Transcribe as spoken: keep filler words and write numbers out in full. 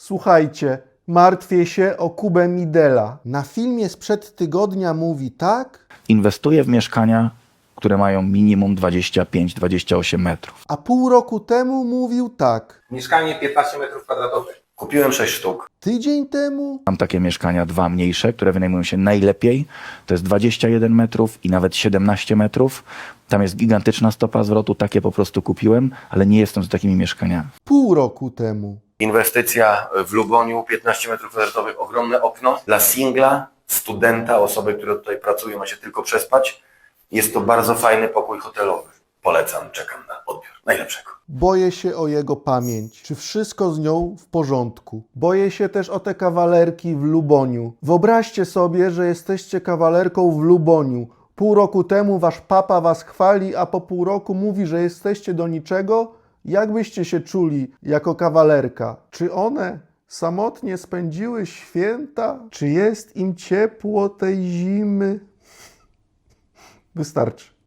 Słuchajcie, martwię się o Kubę Midela. Na filmie sprzed tygodnia mówi tak, Inwestuję w mieszkania, które mają minimum dwadzieścia pięć do dwudziestu ośmiu metrów. a pół roku temu mówił tak. Mieszkanie piętnaście metrów kwadratowych. Kupiłem sześć sztuk. Tydzień temu Mam takie mieszkania, dwa mniejsze, które wynajmują się najlepiej. To jest dwadzieścia jeden metrów i nawet siedemnaście metrów. Tam jest gigantyczna stopa zwrotu, takie po prostu kupiłem, ale nie jestem z takimi mieszkaniami. pół roku temu. Inwestycja w Luboniu, piętnaście metrów kwadratowych, ogromne okno. Dla singla, studenta, osoby, które tutaj pracują, ma się tylko przespać. Jest to bardzo fajny pokój hotelowy. Polecam, czekam na odbiór. Najlepszego. Boję się o jego pamięć. Czy wszystko z nią w porządku? Boję się też o te kawalerki w Luboniu. Wyobraźcie sobie, że jesteście kawalerką w Luboniu. Pół roku temu wasz papa was chwali, a po pół roku mówi, że jesteście do niczego? Jak byście się czuli jako kawalerka? Czy one samotnie spędziły święta? Czy jest im ciepło tej zimy? Wystarczy.